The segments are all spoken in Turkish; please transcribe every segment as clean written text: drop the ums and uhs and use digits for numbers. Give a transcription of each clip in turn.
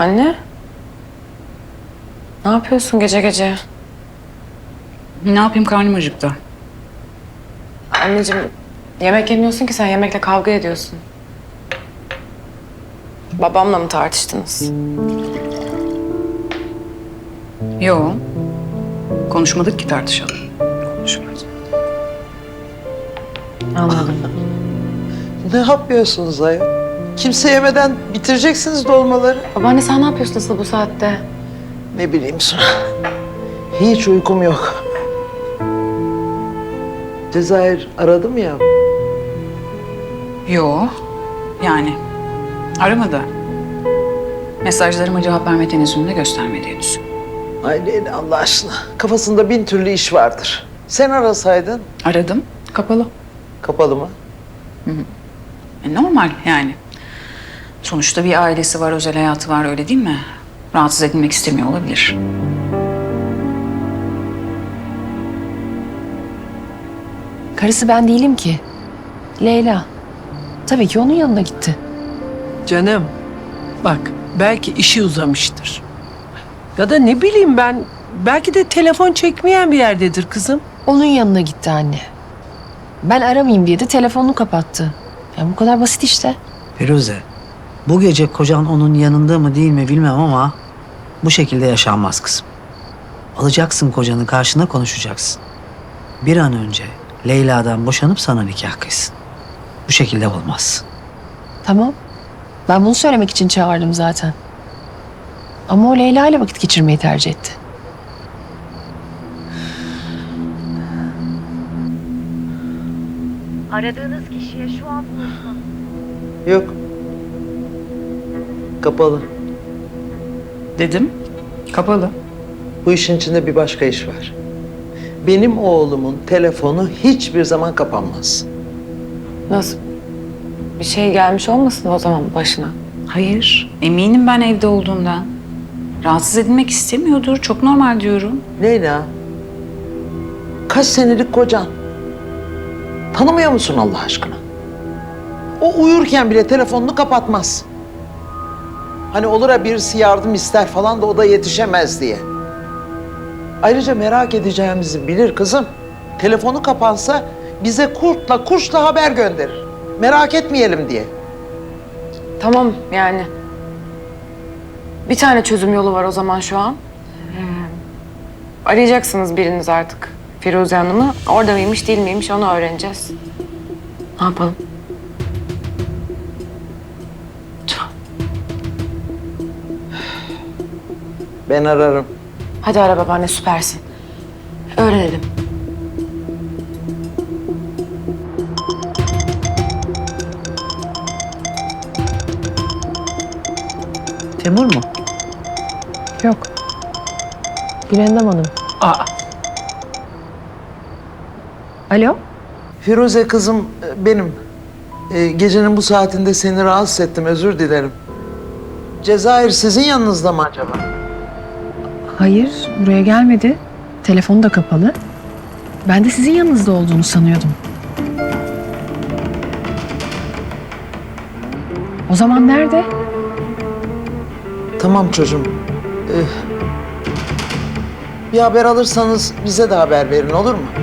Anne? Ne yapıyorsun gece gece? Ne yapayım, karnım acıktı. Anneciğim, yemek yemiyorsun ki sen, yemekle kavga ediyorsun. Babamla mı tartıştınız? Yo. Konuşmadık ki tartışalım. Konuşmadık. Anladım. Ne yapıyorsunuz ayol? Kimse yemeden bitireceksiniz dolmaları. Babaanne sen ne yapıyorsun asıl bu saatte? Ne bileyim Suna. Hiç uykum yok. Cezayir aradı mı ya? Yo. Yani aramadı. Mesajlarıma cevap verme tenezzülünü de göstermedi henüz. Ay Leyla Allah aşkına. Kafasında bin türlü iş vardır. Sen arasaydın. Aradım, kapalı. Kapalı mı? Normal yani. Sonuçta bir ailesi var, özel hayatı var, öyle değil mi? Rahatsız edilmek istemiyor olabilir. Karısı ben değilim ki. Leyla. Tabii ki onun yanına gitti. Canım, bak belki işi uzamıştır. Ya da ne bileyim ben, belki de telefon çekmeyen bir yerdedir kızım. Onun yanına gitti anne. Ben aramayayım diye de telefonunu kapattı. Yani bu kadar basit işte. Firuze, bu gece kocan onun yanında mı değil mi bilmem ama bu şekilde yaşanmaz kızım. Alacaksın kocanı karşına, konuşacaksın. Bir an önce Leyla'dan boşanıp sana nikah kıysın. Bu şekilde olmaz. Tamam. Ben bunu söylemek için çağırdım zaten. Ama o Leyla ile vakit geçirmeyi tercih etti. Aradığınız kişiye şu an ulaşılamıyor. Yok. Kapalı. Dedim, kapalı. Bu işin içinde bir başka iş var. Benim oğlumun telefonu hiçbir zaman kapanmaz. Nasıl? Bir şey gelmiş olmasın o zaman başına? Hayır, eminim ben evde olduğundan. Rahatsız edilmek istemiyordur, çok normal diyorum. Leyla, kaç senelik kocan? Tanımıyor musun Allah aşkına? O uyurken bile telefonunu kapatmaz. Hani olur ya birisi yardım ister falan da o da yetişemez diye. Ayrıca merak edeceğimizi bilir kızım. Telefonu kapansa bize kurtla kuşla haber gönderir. Merak etmeyelim diye. Tamam yani. Bir tane çözüm yolu var o zaman şu an. Arayacaksınız biriniz artık Firuze Hanım'ı. Orada mıymış değil miymiş onu öğreneceğiz. Ne yapalım? Ben ararım. Hadi ara babaanne, süpersin. Öğrenelim. Temur mu? Yok. Gülendam Hanım. Aa, Alo? Firuze kızım benim. Gecenin bu saatinde seni rahatsız ettim, özür dilerim. Cezayir sizin yanınızda mı acaba? Hayır, buraya gelmedi. Telefonu da kapalı. Ben de sizin yanınızda olduğunu sanıyordum. O zaman nerede? Tamam çocuğum. Bir haber alırsanız bize de haber verin, olur mu?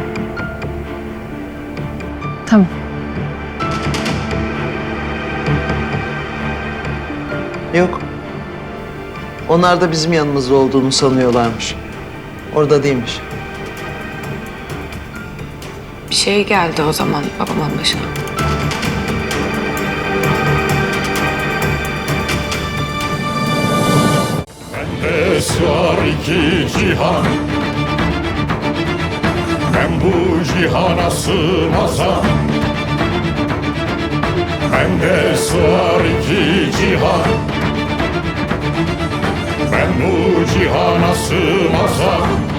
Tamam. Yok. Onlar da bizim yanımızda olduğunu sanıyorlarmış. Orada değilmiş. Bir şey geldi o zaman babamın başına. Bende sığar iki cihan, ben bu cihana sığmazam. Bende sığar iki cihan, ben bu cihana sığmazam.